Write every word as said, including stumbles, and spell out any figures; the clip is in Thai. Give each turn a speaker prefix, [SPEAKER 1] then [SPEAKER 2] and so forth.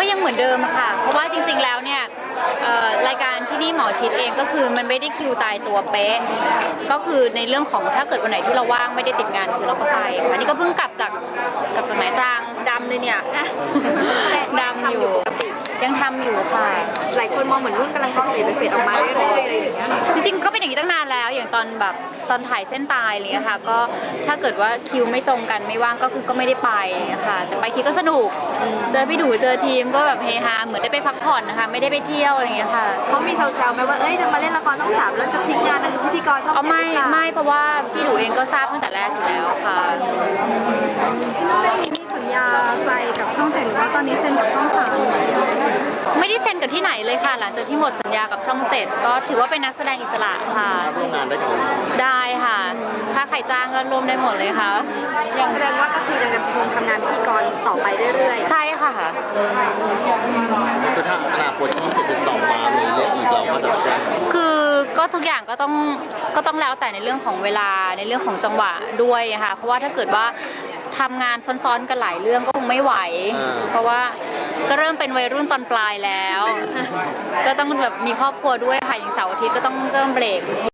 [SPEAKER 1] ยังเหมือนเดิมค่ะเพราะว่าจริงๆแล้วเนี่ยรายการที่นี่หมอชิดเองก็คือมันไม่ได้คิวตายตัวเป๊ะก็คือในเรื่องของถ้าเกิดวันไหนที่เราว่างไม่ได้ติดงานคือเราก็ไปอันนี้ก็เพิ่งกลับจากกลับจากไหนตรังดำเลยเนี่ยดำอยู่ยังทำอยู่ค่ะ
[SPEAKER 2] หลายคนมองเหมือนรุ่นกำลังเฟดไปเฟดออกมาเรื่อยๆอะไรอย่างเงี้ย
[SPEAKER 1] จริงๆก็เป็นอย่างนี้ตั้งนานแล้วอย่างตอนแบบตอนถ่ายเส้นตายอะไรเงี้ยค่ะก็ถ้าเกิดว่าคิวไม่ตรงกันไม่ว่างก็คือก็ไม่ได้ไปค่ะแต่ไปทีก็สนุกเจอพี่ดูเจอทีมก็แบบเฮฮาเหมือนได้ไปพักผ่อนนะคะไม่ได้ไปเที่ยวอะไรเงี้ยค่ะ
[SPEAKER 2] เขามีแซวๆไหมว่าเอ้ยจะมาเล่นละครต้องสามแล้วจะทิ้งงานเป็นพิธีกรช่องเจ็ด
[SPEAKER 1] ไม่ไม่เพราะว่าพี่ดูเองก็ทราบตั้งแต่แรกอยู่แล้วค่ะ
[SPEAKER 2] พี่นุ่นได้มีสัญญาใจกับช่องเจ็ดหรือว่าตอนนี้เซ็นกับช่องสาม
[SPEAKER 1] ไม่ได้เซ็นกับที่ไหนเลยค่ะหลังจากที่หมดสัญญากับช่องเจ็ดก็ถือว่าเป็นนักแสดงอิสระค่ะ
[SPEAKER 3] ร่วมงานได้กับ
[SPEAKER 1] ได้ค่ะ ถ้าใครจ้างก็ร่วมได้หมดเลยค่ะ
[SPEAKER 2] แสดงว่าก็คือยังจะคงทำงานพิธีกรต่อไปเรื่อย
[SPEAKER 1] ๆใช่ค่ะ
[SPEAKER 3] คือถ้าอนาคตช่องเจ็ดติดต่อมามีเรื่องอีกเราก็จะแจ้ง
[SPEAKER 1] คือก็ทุกอย่างก็ต้องก็ต้องแล้วแต่ในเรื่องของเวลาในเรื่องของจังหวะด้วยค่ะเพราะว่าถ้าเกิดว่าทำงานซ้อนๆกันหลายเรื่องก็คงไม่ไหวเพราะว่าก็เริ่มเป็นวัยรุ่นตอนปลายแล้วก็ต้องแบบมีครอบครัวด้วยค่ะอย่างเสาร์อาทิตย์ก็ต้องเริ่มเบรก